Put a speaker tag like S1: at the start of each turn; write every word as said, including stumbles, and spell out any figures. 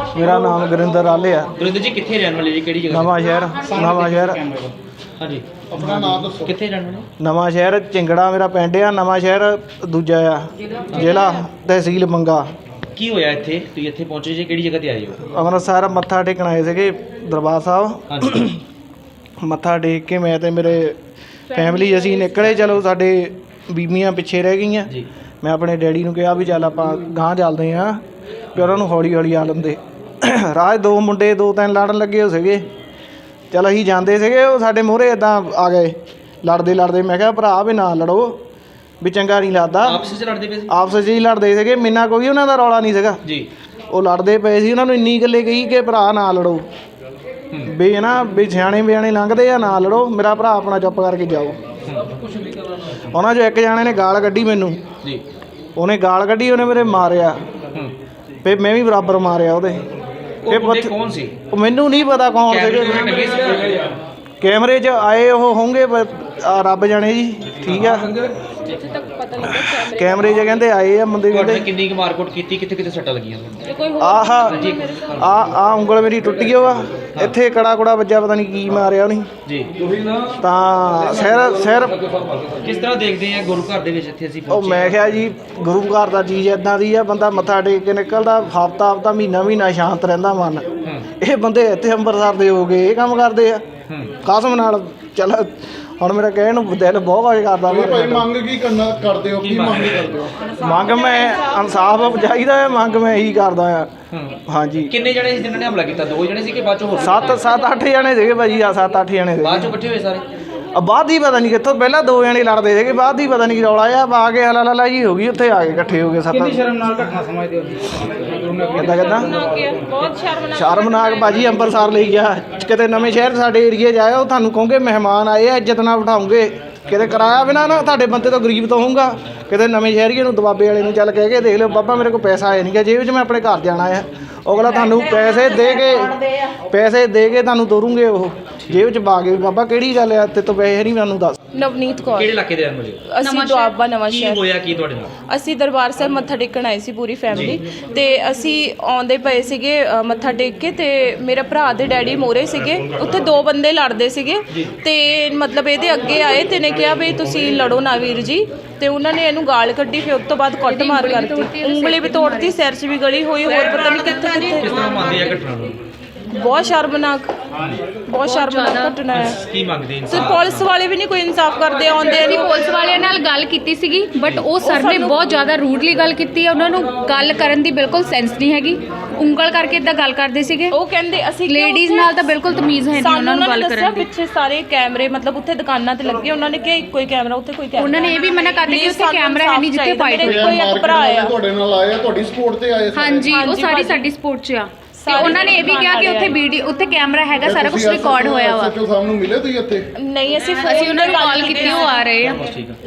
S1: मेरा नाम गुरिंदर आले है।
S2: गुरिंदर जी कितने रहने वाले जी, केड़ी जगह?
S1: नवा शहर नवा शहर
S2: हाँ जी, अपना नाम दसो, कितने रहने वाले?
S1: नवा शहर चिंगड़ा मेरा पिंड आ। नवा शहर दूजा आ जिला तहसील मंगा।
S2: की होया इत्थे? तुसीं इत्थे पहुंचे जी, केड़ी जगह ते आए हो?
S1: ਅੰਮ੍ਰਿਤਸਰ ਮੱਥਾ ਟੇਕਣ ਆਏ ਸੀਗੇ ਦਰਬਾਰ ਸਾਹਿਬ।
S2: ਹਾਂਜੀ।
S1: ਮੱਥਾ ਟੇਕ ਕੇ ਮੈਂ ਤੇ ਮੇਰੇ ਫੈਮਿਲੀ ਅਸੀਂ ਨਿਕਲੇ। ਚਲੋ ਸਾਡੇ ਬੀਬੀਆਂ ਪਿੱਛੇ ਰਹਿ ਗਈਆਂ।
S2: ਜੀ।
S1: ਮੈਂ ਆਪਣੇ ਡੈਡੀ ਨੂੰ ਕਿਹਾ ਵੀ ਚੱਲ ਆਪਾਂ ਗਾਂਹ ਚੱਲਦੇ ਹਾਂ, ਵੀ ਉਹਨਾਂ ਨੂੰ ਹੌਲੀ ਹੌਲੀ ਆ ਲੈਂਦੇ। ਰਾਹ ਦੋ ਮੁੰਡੇ ਦੋ ਤਿੰਨ ਲੜਨ ਲੱਗੇ ਹੋ ਸੀਗੇ। ਚਲ ਅਸੀਂ ਜਾਂਦੇ ਸੀਗੇ, ਉਹ ਸਾਡੇ ਮੂਹਰੇ ਇੱਦਾਂ ਆ ਗਏ ਲੜਦੇ ਲੜਦੇ। ਮੈਂ ਕਿਹਾ ਭਰਾ ਵੀ ਨਾ ਲੜੋ, ਵੀ ਚੰਗਾ ਨਹੀਂ ਲੱਗਦਾ।
S2: ਆਪਸ ਵਿੱਚ ਲੜਦੇ ਪਏ ਸੀ?
S1: ਆਪਸ 'ਚ ਹੀ ਲੜਦੇ ਸੀਗੇ, ਮੈਨਾਂ ਕੋਈ ਉਹਨਾਂ ਦਾ ਰੌਲਾ ਨਹੀਂ ਸੀਗਾ
S2: ਜੀ।
S1: ਉਹ ਲੜਦੇ ਪਏ ਸੀ। ਉਹਨਾਂ ਨੂੰ ਇੰਨੀ ਗੱਲੇ ਕਹੀ ਕਿ ਭਰਾ ਨਾ ਲੜੋ, ਵੀ ਹੈ ਨਾ ਵੀ ਸਿਆਣੇ ਬਿਆਣੇ ਲੰਘਦੇ ਆ, ਨਾ ਲੜੋ, ਮੇਰਾ ਭਰਾ ਆਪਣਾ ਚੁੱਪ ਕਰਕੇ ਜਾਓ। ਉਹਨਾਂ 'ਚੋਂ ਇੱਕ ਜਾਣੇ ਨੇ ਗਾਲ ਕੱਢੀ ਮੈਨੂੰ।
S2: ਜੀ।
S1: ਉਹਨੇ ਗਾਲ ਕੱਢੀ, ਉਹਨੇ ਮੇਰੇ ਮਾਰਿਆ, ਫਿਰ ਮੈਂ ਵੀ ਬਰਾਬਰ ਮਾਰਿਆ ਉਹਦੇ।
S2: ਉਹ ਬੰਦੇ ਕੌਣ ਸੀ?
S1: ਉਹ ਮੈਨੂੰ ਨਹੀਂ ਪਤਾ ਕੌਣ ਸੀਗੇ। ਕੈਮਰੇ 'ਚ ਆਏ ਉਹ ਹੋਣਗੇ ਰੱਬ ਜਾਣੇ ਜੀ। ਠੀਕ ਆ, ਕੈਮਰੇ 'ਚ ਕਹਿੰਦੇ ਆਏ ਆ ਬੰਦੇ। ਕਹਿੰਦੇ
S2: ਕਿੰਨੀ ਕੁ ਮਾਰਕੁੱਟ ਕੀਤੀ, ਕਿੱਥੇ ਕਿੱਥੇ ਸੱਟਾਂ ਲੱਗੀਆਂ?
S1: ਆਹ ਆ ਆ ਉਂਗਲ ਮੇਰੀ ਟੁੱਟ ਗਈ ਵਾ, ਇੱਥੇ ਕੜਾ ਕੁੜਾ ਵੱਜਾ, ਪਤਾ ਨਹੀਂ ਕੀ ਮਾਰਿਆ ਉਹਨੇ
S2: ਜੀ।
S1: ਤਾਂ ਸਿਰ ਸਿਰ
S2: ਕਿਸ ਤਰ੍ਹਾਂ ਦੇਖਦੇ ਆ ਗੁਰੂ ਘਰ ਦੇ ਵਿੱਚ ਇੱਥੇ ਅਸੀਂ
S1: ਉਹ
S2: ਪਹੁੰਚੇ?
S1: ਮੈਂ ਕਿਹਾ ਜੀ ਗੁਰੂ ਘਰ ਦਾ ਚੀਜ਼ ਇੱਦਾਂ ਦੀ ਆ, ਬੰਦਾ ਮੱਥਾ ਟੇਕ ਕੇ ਨਿਕਲਦਾ ਹਫ਼ਤਾ ਹਫ਼ਤਾ ਮਹੀਨਾ ਮਹੀਨਾ ਸ਼ਾਂਤ ਰਹਿੰਦਾ ਮਨ। ਇਹ ਬੰਦੇ ਇੱਥੇ ਅੰਮ੍ਰਿਤਸਰ ਦੇ ਹੋ ਗਏ, ਇਹ ਕੰਮ ਕਰਦੇ ਆ ਕਸਮ ਨਾਲ। ਚੱਲ ਹੁਣ ਮੇਰਾ ਕਹਿਣ ਨੂੰ ਦਿਲ ਬਹੁਤ ਵਾਜ ਕਰਦਾ।
S3: ਭਾਈ ਮੰਗ ਕੀ ਕਰਨਾ ਕਰਦੇ ਹੋ? ਕੀ ਮੰਗ ਕਰਦੇ ਹੋ?
S1: ਮੰਗ ਮੈਂ ਇਨਸਾਫ ਚਾਹੀਦਾ ਹੈ, ਮੰਗ ਮੈਂ ਇਹੀ ਕਰਦਾ ਆ। ਹਾਂਜੀ।
S2: ਕਿੰਨੇ ਜਣੇ ਸੀ ਜਿਨ੍ਹਾਂ ਨੇ ਹਮਲਾ ਕੀਤਾ? ਦੋ ਜਣੇ ਸੀ ਕਿ ਬਾਅਦ ਚੋਂ ਹੋਰ?
S1: ਸੱਤ ਸੱਤ ਅੱਠ ਜਣੇ ਸੀਗੇ ਭਾਜੀ। ਆ ਸੱਤ ਅੱਠ ਜਣੇ
S2: ਬਾਅਦ
S1: ਸੀਗੇ।
S2: ਚੋਂ ਇਕੱਠੇ ਹੋਏ ਸਾਰੇ?
S1: ਆ ਬਾਅਦ ਹੀ ਪਤਾ ਨਹੀਂ ਕਿੱਥੋਂ, ਪਹਿਲਾਂ ਦੋ ਜਣੇ ਲੜਦੇ ਸੀਗੇ, ਬਾਅਦ ਹੀ ਪਤਾ ਨਹੀਂ ਕੀ ਰੌਲਾ ਆ, ਆ ਕੇ ਹਲਾ ਲਾ ਜੀ ਹੋ ਗਈ, ਉੱਥੇ ਆ ਕੇ ਇਕੱਠੇ ਹੋ ਗਏ ਸੱਤ।
S4: ਕਿੰਨੀ ਸ਼ਰਮਨਾਕ ਘਟਨਾ ਸਮਝਦੇ ਹੋ?
S1: ਕਿੱਦਾਂ ਕਿੱਦਾਂ
S5: ਬਹੁਤ ਸ਼ਰਮਨਾਕ
S1: ਸ਼ਰਮਨਾਕ ਭਾਜੀ। ਅੰਮ੍ਰਿਤਸਰ ਲਈ ਗਿਆ, ਕਿਤੇ ਨਵੇਂ ਸ਼ਹਿਰ ਸਾਡੇ ਏਰੀਏ 'ਚ ਆਇਆ, ਉਹ ਤੁਹਾਨੂੰ ਕਹੋਗੇ ਮਹਿਮਾਨ ਆਏ ਆ, ਇੱਜ਼ਤ ਨਾਲ ਬਿਠਾਉਂਗੇ। ਕਿਤੇ ਕਿਰਾਇਆ ਬਿਨਾਂ ਨਾ ਤੁਹਾਡੇ ਬੰਦੇ ਤੋਂ ਗਰੀਬ ਤੋਂ ਹੋਊਗਾ। ਕਿਤੇ ਨਵੇਂ ਸ਼ਹਿਰੀਏ ਨੂੰ ਦਬਾਬੇ ਵਾਲੇ ਨੂੰ ਚੱਲ ਕਹਿ ਕੇ ਦੇਖ ਲਿਓ, ਬਾਬਾ ਮੇਰੇ ਕੋਲ ਪੈਸਾ ਆਇਆ ਨਹੀਂ ਗਾ ਜੇਬ 'ਚ, ਮੈਂ ਆਪਣੇ ਘਰ ਜਾਣਾ ਆ। ਅਗਲਾ ਤੁਹਾਨੂੰ ਪੈਸੇ ਦੇ ਕੇ ਪੈਸੇ ਦੇ ਕੇ ਤੁਹਾਨੂੰ ਤੋਰੂਗੇ, ਉਹ ਜੇਬ 'ਚ ਪਾ ਕੇ। ਬਾਬਾ ਕਿਹੜੀ ਗੱਲ ਆ, ਤੇ ਤੋਂ ਪੈਸੇ ਨਹੀਂ ਮੈਨੂੰ ਦੱਸ।
S5: ਨਵਨੀਤ ਕੌਰ।
S2: ਕਿਹੜੇ ਇਲਾਕੇ ਦੇ ਰਹਿਣ ਵਾਲੇ?
S5: ਅਸੀਂ ਦੁਆਬਾ ਨਵਾਂ
S2: ਕੀ
S5: ਸ਼ਹਿਰ।
S2: ਹੋਇਆ ਕੀ ਤੁਹਾਡੇ ਨਾਲ?
S5: ਅਸੀਂ ਦਰਬਾਰ ਸਾਹਿਬ ਮੱਥਾ ਟੇਕਣ ਆਏ ਸੀ ਪੂਰੀ ਫੈਮਿਲੀ, ਤੇ ਅਸੀਂ ਆਉਂਦੇ ਪਏ ਸੀਗੇ ਅ, ਮੱਥਾ ਟੇਕ ਕੇ, ਤੇ ਮੇਰੇ ਭਰਾ ਦੇ ਡੈਡੀ ਮੋਰੇ ਸੀਗੇ। ਉੱਥੇ ਦੋ ਬੰਦੇ ਲੜਦੇ ਸੀਗੇ, ਤੇ ਮਤਲਬ ਇਹਦੇ ਅੱਗੇ ਆਏ ਤੇ ਨੇ ਕਿਹਾ ਵੀ ਤੁਸੀਂ ਲੜੋ ਨਾ ਵੀਰ ਜੀ, ਤੇ ਉਹਨਾਂ ਨੇ ਇਹਨੂੰ ਗਾਲ ਕੱਢੀ। ਫਿਰ ਉਸ ਤੋਂ ਬਾਅਦ ਕੁੱਟ ਮਾਰ ਕਰਤੀ, ਉਂਗਲੀ ਵੀ ਤੋੜਤੀ, ਸਿਰ 'ਚ ਵੀ ਗਲੀ ਹੋਈ, ਹੋਰ ਪਤਾ ਨਹੀਂ ਕਿੱਥੇ
S2: ਕਿਸ
S5: ਕਿੱਥੇ।
S2: ਤਰ੍ਹਾਂ ਮੰਨਦੇ ਆ ਘਟਨਾ ਨੂੰ?
S5: ਬਹੁਤ ਸ਼ਰਮਨਾਕ ਬਹੁਤ ਸ਼ਰਮਨਾਕ ਘਟਨਾ ਹੈ।
S2: ਕੀ ਮੰਗਦੇ
S5: ਤੇ
S2: ਇਨਸਾਨ?
S5: ਪੁਲਿਸ ਵਾਲੇ ਵੀ ਨਹੀਂ ਕੋਈ ਇਨਸਾਫ ਕਰਦੇ। ਆਉਂਦੇ
S6: ਅਸੀਂ ਪੁਲਿਸ ਵਾਲਿਆਂ ਨਾਲ ਗੱਲ ਕੀਤੀ ਸੀਗੀ, ਬਟ ਉਹ ਸਰ ਨੇ ਬਹੁਤ ਜ਼ਿਆਦਾ ਰੂਡਲੀ ਗੱਲ ਕੀਤੀ ਹੈ। ਉਹਨਾਂ ਨੂੰ ਗੱਲ ਕਰਨ ਦੀ ਬਿਲਕੁਲ ਸੈਂਸ ਨਹੀਂ ਹੈਗੀ, ਉਂਗਲ ਕਰਕੇ ਇਦਾਂ ਗੱਲ ਕਰਦੇ ਸੀਗੇ।
S5: ਉਹ ਕਹਿੰਦੇ ਅਸੀਂ
S6: ਲੇਡੀਜ਼ ਨਾਲ ਤਾਂ ਬਿਲਕੁਲ ਤਮੀਜ਼ ਹੈ ਨਹੀਂ ਉਹਨਾਂ ਨੂੰ ਗੱਲ ਕਰਨ ਦੀ।
S5: ਪਿੱਛੇ ਸਾਰੇ ਕੈਮਰੇ ਮਤਲਬ ਉੱਥੇ ਦੁਕਾਨਾਂ ਤੇ ਲੱਗੇ, ਉਹਨਾਂ ਨੇ ਕਿਹਾ ਇੱਕੋ ਹੀ ਕੈਮਰਾ, ਉੱਥੇ ਕੋਈ ਕੈਮਰਾ।
S6: ਉਹਨਾਂ ਨੇ ਇਹ ਵੀ ਮਨਾ ਕਰ ਦਿੱਤਾ ਕਿ ਉੱਥੇ ਕੈਮਰਾ ਹੈ ਨਹੀਂ ਜਿੱਥੇ ਫਾਈਟ ਹੋਈ।
S5: ਕੋਈ ਇੱਕ ਭਰਾ ਆ
S3: ਤੁਹਾਡੇ ਨਾਲ ਆਏ ਆ, ਤੁਹਾਡੀ ਸਪੋਰਟ ਤੇ ਆਏ?
S6: ਹਾਂਜੀ, ਉਹ ਸਾਰੀ ਸਾਡੀ ਸਪੋਰਟ 'ਚ ਆ। ਤੇ ਉਹਨਾਂ ਨੇ ਇਹ ਵੀ ਕਿਹਾ ਕਿ ਉੱਥੇ ਵੀਡੀਓ ਉੱਥੇ ਕੈਮਰਾ ਹੈਗਾ, ਸਾਰਾ ਕੁਝ ਰਿਕਾਰਡ ਹੋਇਆ ਵਾ।
S3: ਸੱਚੋ ਸਾਹਿਬ ਨੂੰ ਮਿਲੇ ਤੁਸੀਂ ਇੱਥੇ?
S5: ਨਹੀਂ, ਅਸੀਂ
S6: ਅਸੀਂ ਉਹਨਾਂ ਨੂੰ ਕਾਲ ਕੀਤੀ, ਉਹ ਆ ਰਹੇ ਆ।